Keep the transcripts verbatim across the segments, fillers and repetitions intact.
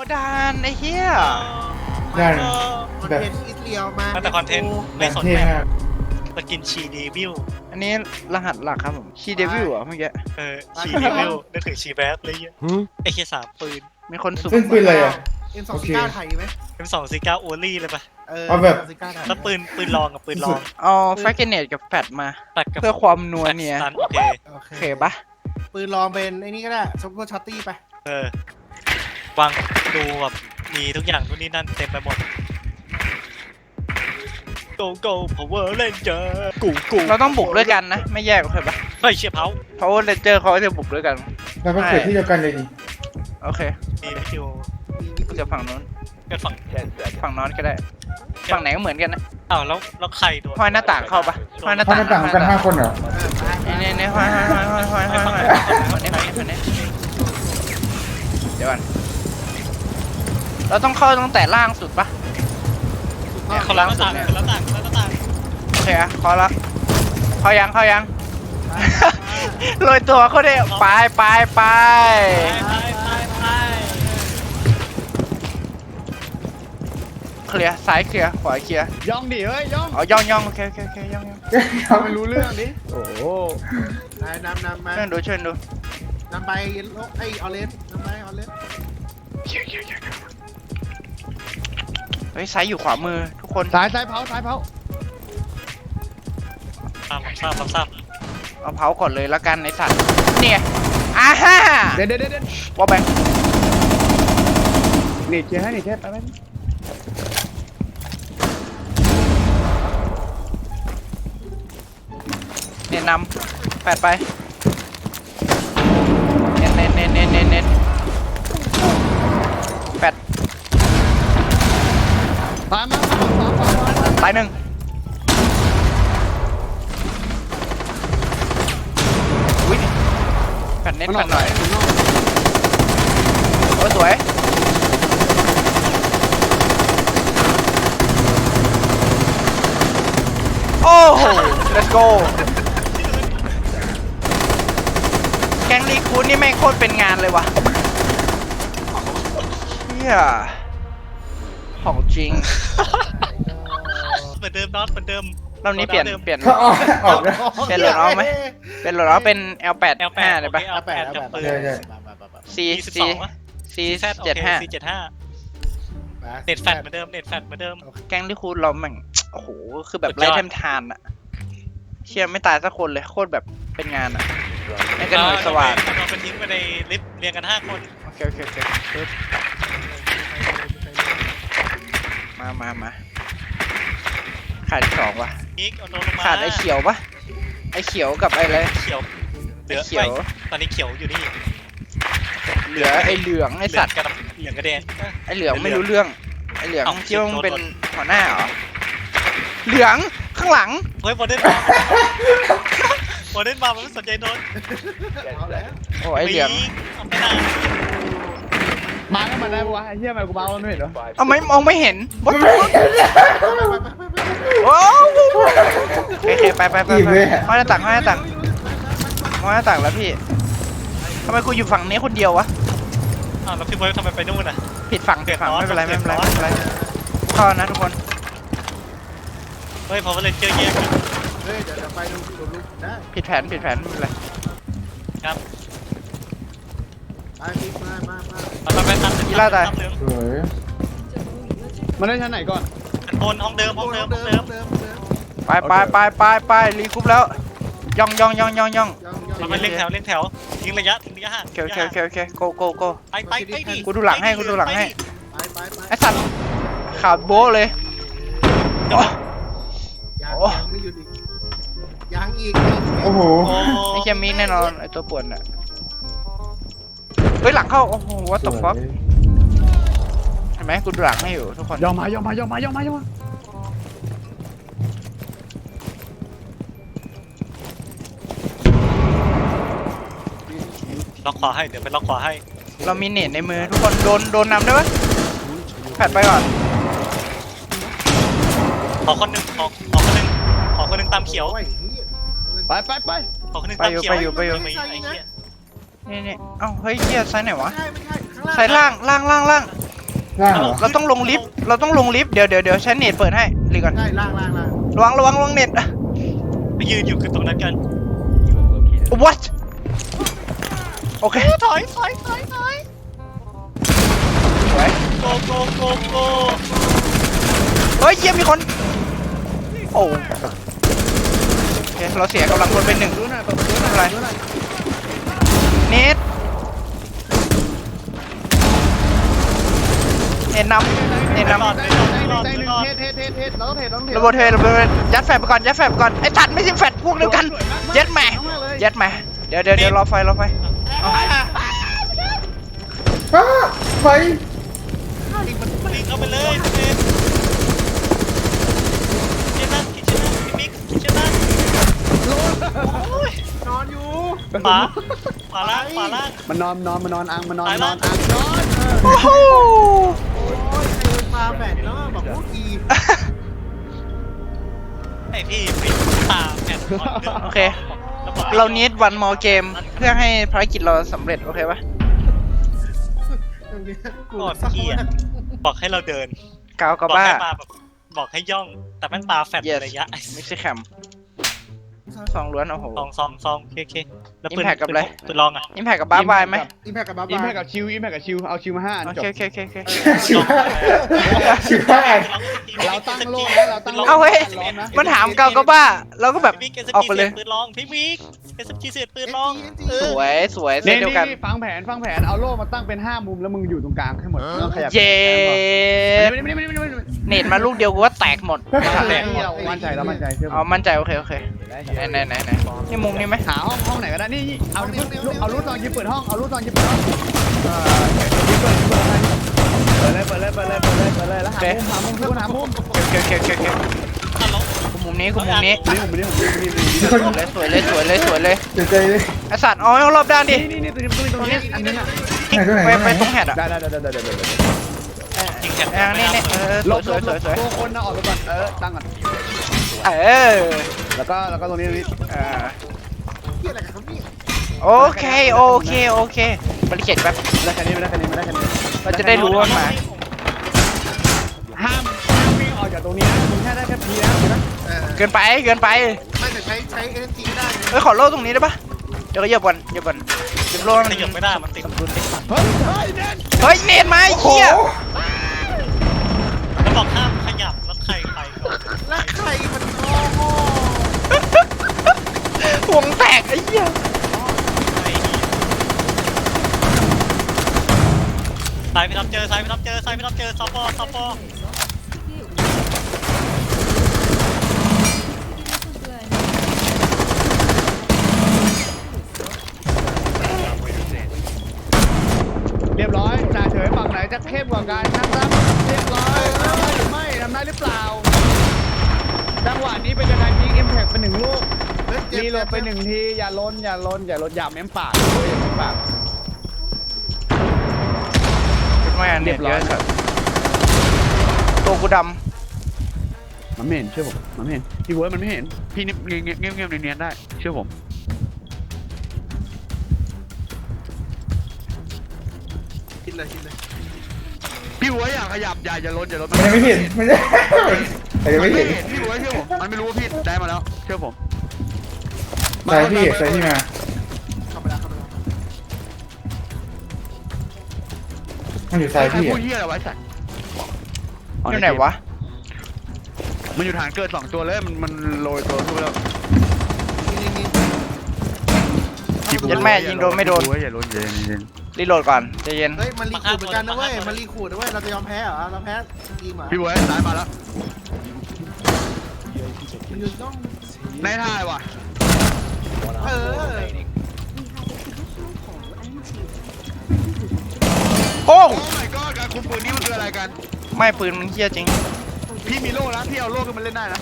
ดานไอ้เหี้ยได้คอนเทนต์อิสเรียลมาแต่คอนเทนต์ไม่สนเท่แมมากปสกินชีเดวิลอันนี้รหัสหลักครับผมชีเดวิลเหรอเมื่อกี้เออชีเดวิลนึกถึงชีแบทเลยเงี้ยไอ้เคียสามปืนมีคนสุ่มเป็นปืนอะไรอ่ะเอ็มสองสี่เก้าไทยไหมเอ็มสองสี่เก้าโอลี่เลยปะเออเอาแบบสี่เก้าไทยแล้วปืนปืนลองกับปืนลองเอาแฟกเกเนตกับแฟดมาตัดกับเพื่อความนัวเนี่ยสตันโอเคโอโอเคเคปะปืนลองเป็นไอ้นี่ก็ได้ซุปเปอร์ช็อตตี้ไปเออวางดูแบบมีทุกอย่างนู่นนี่นั่นเต็มไปหมด Go Go Power Ranger กูกูเราต้องบุกด้วยกันนะ ไม่แยกโอเคปะเฮ้ยเชียร์เผาเพราะว่าเรนเจอร์เขาจะบุกด้วยกันแล้วก็เกิดที่เดียวกันเลยนี่โอเคมีวิดีโอกูจะฝั่งนู้นกันฝั่งฝั่งนอนก็ได้ ฝั่งไหนก็เหมือนกันนะอ้าวแล้วแล้วใครโดนห้อยหน้าต่างเข้าปะห้อยหน้าเพราะต่างหน้าต่างกันห้าคนเหรอเนี่ยเนี่ยห้อยห้อยห้อยห้อยห้อยห้อยห้อยคนนี้คนนี้เดี๋ยวก่อนเราต้องเข้าตั้งแต่ล่างสุดปะ เนี่ยเขาล้างหน้าต่างเขาล้างหน้าต่างเขาล้างหน้าต่างโอเคอะเข้าละเข้ายังเข้ายัง โรยตัวเขาได้ไปไปไปไปไปไปไปเคลียร์ซ้ายเคลียร์ขวาเคลียร์ย่องดิเฮ้ยย่องอ๋อย่องย่องโอเคโอเคโอเคย่องย่องไม่รู้เรื่องดิโอ้โหนายนำนำมาช่วยดูช่วยดูนำไปโลไอออเรนจ์นำไปออเรนจ์เฮ้ยซ้ายอยู่ขวามือทุกคนสายสายเผาสายเผาทราบทราบทราบทราบเอาเผาก่อนเลยละกันในสัตว์เนี่ยอ่าฮ่าเด็ดเด็ดเด็ดวอลแบงนี่เคลียร์ให้นี่เคลียร์ไปไปเน้นนำแปดไปเน้นเน้นเน้นเน้นเน้นเน้นแปดตามมาสองสองสองสองตายหนึ่งอุ้ยแปดเน้นแปดหน่อยโอ้ยสวยโอ้โห let's go แก๊งรีคูดนี่แม่งโคตรเป็นงานเลยว่ะเฮียของจริงเหมือนเดิมน็อตเหมือนเดิมรอบนี้เปลี่ยนเปลี่ยนเขาออกออกนะเป็นโหลดเอาไหม เป็นโหลดเอาเป็น แอล แปดแอลแปห้าดเลยโอปะเคแอลแปดกับปืนใช่ใช่ C ยี่สิบ C สองอะ C แซดโอเจ็ดเคห้าซีเจ็ดห้าเน็ตแฟตเหมือนเดิมเน็ตแฟตเหมือนเดิมแก๊งที่คูดเราแม่งโอ้โห คือแบบสุดยไร้อดเทมทานอะเชี่ยไม่ตายสักคนเลย โคตรแบบเป็นงานอะไม่กันหน่วยสว่างเราไปทิ้งไปในลิฟต์เรียงกันห้าคนโอเค โอเค โอเคปึ๊บมามามาขาดอีกสองวะนิกเอาโดนลงมาขาดไอ้เขียวปะไอ้เขียวกับไอ้อะไรเขียวเหลืไอ้อเขียวไม่ตอนนี้เขียวอยู่นี่เหลือไอ้เหลืองไอ้สัตว์เหลืองกับเหลืองกระแดงไอ้เหลืองไม่รู้เรื่อง ไอ้เหลืองเอ้าคิดว่ามึงเป็นโดนหัวหน้าเหรอ เหลืองข้างหลังเฮ้ยบอลเด่นมาบอลเด่นมามันไม่สนใจโดนเอาแล้วโอ้ไอ้เหลืองเอาไปไหนมาแล้วมันได้ปะวะไอ้เหี้ยมันกูเบาไม่เห็นเหรอเอาไม่มองไม่เห็นวัดไปไปไปไปโอ้โอเคไปไปไปอีกไปเลยห้อยหน้าต่างห้อยหน้าต่างห้อยหน้าต่างแล้วพี่ทำไมกูอยู่ฝั่งนี้คนเดียววะอ้าวแล้วพี่เบิร์ดทำไมไปนู่นอ่ะผิดฝั่งผิดฝั่งเดือดร้อนไม่เป็นไรไม่เป็นไรเดือดร้อนไม่เป็นไรเข้านะทุกคนเฮ้ยพอมาเล่นเจอแยกกันเฮ้ยเดี๋ยวไปดูดูดูได้ผิดแผนผิดแผนไม่เป็นไรครับไปพี่มามามามาไปตามอีล่าตายเหลืองสวยมันได้ชั้นไหนก่อนบนห้องเดิมห้องเดิมห้องเดิมเดิมเดิมไปไปไปไปไปรีคุปแล้วย่องย่องย่องย่องย่องย่องย่องเราไปเล่นแถวเล่นแถวทิ้งระยะทิ้งระยะห่างโอเคโอเคโอเคโอเคโกโกโกไปไปไปดิกูดูหลังให้กูดูหลังให้ไปไปไปไอสัตว์ขาดโบ้เลยโอ้ยังโอ้ยังไม่หยุดอีกยังอีกโอ้โหโอ้ไอเคียมีแน่นอนไอตัวป่วนอ่ะเฮ้ยหลังเข้าโอ้โหวัตถุฟ็อกเห็นไหมกูดูหลังให้อยู่ทุกคนย่องมาย่องมาย่องมาย่องมาย่องมาล็อกขวาให้เดี๋ยวไปล็อกขวาให้เรามีเน็ตในมือทุกคนโดนโดนนำได้ปะแผดไปก่อนขอคนหนึ่งขอขอคนหนึ่งขอคนหนึ่งตามเขียวโอ้ยไปไปไปขอคนหนึ่งตามเขียวไปอยู่ไปอยู่ไม่ไอ้เหี้ยนี่นี่เอ้าเฮ้ยเฮียไซส์ไหนวะไม่ใช่ไม่ใช่ข้างล่างไซส์ล่างล่างล่างล่างล่างเหรอเราต้องลงลิฟต์เราต้องลงลิฟต์เดี๋ยวเดี๋ยวเดี๋ยวใช้เน็ตเปิดให้รีก่อนใช่ล่างล่างล่างระวังระวังระวังเน็ตไปยืนอยู่กันตรงนั้นกัน what โอเคถอยถอยถอยถอยสวยโกโกโกโกเฮ้ยเยี่ยมมีคนโอ้โอเคเราเสียกำลังคนเป็นหนึ่งดูหน่อยเปิดประตูหน่อยอะไรดูหน่อยเน็ตเน็ตนำเน็ตนำรอดได้รอดได้รอดได้หนึ่งรอดเทสเทสเทสเทสเราต้องเทสเราต้องเทสระเบิดเทระเบิดยัดแฟบไปก่อนยัดแฟบไปก่อนไอ้ตัดไม่ใช่แฟบพวกเดียวกันยัดแหม่ยัดแหม่เดี๋ยวเดี๋ยวเดี๋ยวรอไฟรอไฟเอาอ้าไฟวิ่งเข้าไปเลยพี่เมย์กินนั่นกินชนะพี่มิกกินชนะนอนอยู่ขวาขวาล่างขวาล่างมันนอนนอนมันนอนอังมันนอนตายนละอนอังนอนโอ้โหโอ้ยใครเป็นปลาแบตแล้วบอกพวกกีไอพี่ปิดตาแผ่นโอเคเราเนีดวันมอเกมเพื่อให้ภารกิจเราสำเร็จโอเคปะตรงเนี้ยกูกดเกียร์บอกให้เราเดินกาวกับบอกบ้าให้มาแบบบอกให้ย่อง แต่แม่งปลาแฟด yes ระยะไม่ใช่แคมสองล้วนโอ้โหซองซองซองโอเคโอเคแล้วปืน Impact กับอะไรปืนลองอ่ะอิมแพคกับบ้าบายไหมอิมแพคกับบ้าอิมบาแพยคกับชิวอิมแพคกับชิวเอาชิวมาห้าอันโอจเคบโอเคโอเคโอเคชิวห้าชิวห้าเราตั้งโลกแล้วเราตั้งโลกเอาเฮ้ยร้อนนะมันถามกาวกับบ้าเราก็แบบพี่มิกเอสออกพีไปเลยเสียปืนลองพี่มิกเอสพีเสียปืนลองเอสอวยสวยเซตนี่เดียวกันนี่ฟังแผนฟังแผนเอาโล่มาตั้งเป็นห้ามุมแล้วมึงอยู่ตรงกลางให้หมดไม่ต้องขยับเย้ไม่ไม่ไม่ไม่ไม่ไม่เน็ตมาลูกเดียวกูว่าแตกหมดแตกเรามั่นใจเรามั่นใจเชื่อผอ๋อมมั่นใจโอเคโอเคไหนไหนไหนไหนนี่มุมนี้ไหมหาห้องห้องไหนก็ได้นี่เอาเอารูดซองยิบเปิดห้องเอารูดซองยิบเปิดห้องเออยิบเปิดยิบเปิดอะไรเปิดเลยเปิดเลยเปิดเลยเปิดเลยเปิดเลยแล้วหามุมหามุมทุกคนหามุมโอเคโอเคโอเคโอเคฮัลโหลกูมุมนี้กูมุมนี้นี่ผมนี่ผมนี่ผมนี่มีคนสวยเลยสวยเลยสวยเลยเสียใจเลยไอสัตว์เอาให้รอบด้านดินี่นี่ตรงนี้ตรงนี้ตรงนี้อันนี้นะไหนตัวไหนไปตัวไหไปนตรงแฮดอะได้ได้ได้ได้ได้ได้ยิงแขนอ่านี่นี่เออลสวยบสวยสวยสวยตัวคนนะออกไปก่อนเออตั้งก่อนเออแล้วก็แล้วก็ตรงนี้ตรงนี้เออเฮียอะไรกันครับนี่โอเคโอเคโอเคบริเกตแป๊บไม่ได้แค่นี้ไม่ได้แค่นี้ไม่ได้แค่นี้เราจะได้รู้ว่ามันมาห้ามห้ามวิ่งออกจากตรงนี้นะมึงแค่ได้แค่พีนะถูกไหมเออเกินไปเกินไปไม่แต่ใช้ใช้เอ็นจีได้นะเฮ้ยขอโล่ตรงนี้ได้ปะเดี๋ยวก็เหยียบก่อนเหยียบก่อนเหยียบโล่ให้ขมันยับไม่ได้มันติดเฮ้ยเฮ้ยเด่นเฮ้ยเน็ตมาไอ้โอ้โหเหี้ยแล้วบอกห้ามขยับแล้วใครไปก่อนแล้วใครมันโง่โง่ห่วงแตกไอ้เหี้ยสายไปรับเจอสายไปรับเจอสายไปรับเจอซอปปอซอปปอเรียบร้อยจ่าเฉยฝั่งไหนจะเข้มกว่ากันนะครับเรียบร้อยทำได้หรือไม่ทำได้หรือเปล่าจังหวะนี้เป็นการยิงอิมแพคไปหนึ่งลูกเฮ้ยเจ็บรีโหลดไปหนึ่งทีอย่าล้นอย่าล้นอย่าล้นอย่าเม้มปากเลยอย่าเม้มปากไม่อันเรีเรียยบบ ร้ร้ออย ยตัวกูดมันไม่เห็นเชื่อผมมันไม่เห็นพี่เวิร์ดมันไม่เห็นพี่เงียบเงียบเงียบเงียบเนียนๆได้เชื่อผมกินเลยกินเลยพี่เวิร์ดอย่าขยับอย่าอย่าล้นอย่าล้นมันยังไม่เห็นมันยังแต่ยังมันไม่ไม่เห็นเห็นพี่เวิร์ดเชื่อผมมันไม่รู้ว่าพี่ได้มาแล้วเชื่อผมใส่พี่ใส่พี่มาเข้าไปแล้วเข้าไปแล้วมันอยู่ใส่ใครพี่พูอะดเหี้ยอะไรไว้สัตว์ำอยู่ไหนวะมันอยู่ฐานเกิดสองตัวเลยมันมันโรยตัวขึ้นไปแล้วนี่นี่ยัดแม่ยิงโดนไม่โดนอย่าล้นอย่าล้นอย่าล้นรีโหลดก่อนใจเย็นเฮ้ยมันรีคูดเหมือนกันนะเว้ยมันรีคูดนะเว้ยเราจะยอมแพ้เหรอเราแพ้ทีมเหรอพี่เวิร์ดซ้ายมาแล้วมันอยู่ต้องในท่ายว่ะเออโอ้โอ้ my god การคุมปืนนี่มันคืออะไรกันไม่ปืนมันเหี้ยจริงพี่มีโล่แล้วพี่เอาโล่ขึ้นมาเล่นได้นะ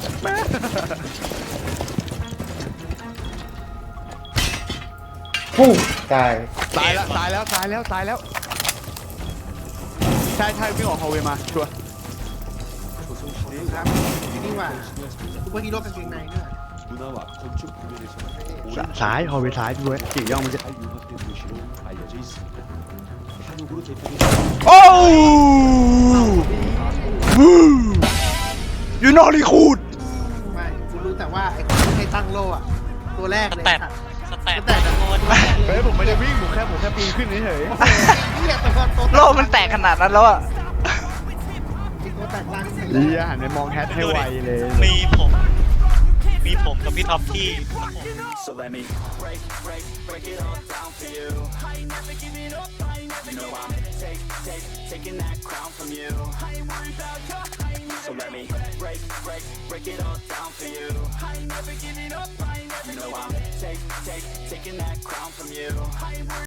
ฟู้ตายตายแล้วตายแล้วตายแล้วตายแล้วใช่ใช่วิ่งออกฮอลเวย์มาชัวร์ครับนี่ว่าซูเปอร์ฮีโร่กางเกงในเนี่ย 문화와 건축 부분에서 ซ้ายฮอลเวย์ซ้ายพี่เว้ยกี่ย่องมันจะ 잘 융합된 도시로 알려져 있습니다. ดูกูดูสิโอ้ยูนอรีคูดไม่กูรู้แต่ว่าไอ้คนที่ให้ตั้งโล่อะตัวแรกสเลยแตทสัตว์สแตทสแตทอะโคตรเฮ้ยผมไม่ได้วิ่งผมแค่ผมแค่ปีนขึ้นเฉยเหี้ยตัวตัวโลกมันแตกขนาดนั้นแล้วอะตัวแตกลังๆเฮียหันไปมองแฮทให้ไวเลยมีผม มีผมกับพี่ท็อปที่ So let me break, break, break it all down for you. I ain't never giving up, I ain't never you know I'm take, take, taking that crown from you. I ain't worried about you, I ain't never so let me break, break, break it all down for you. I ain't never giving up, I ain't never you know I'm take, take, taking that crown from you. I ain't worried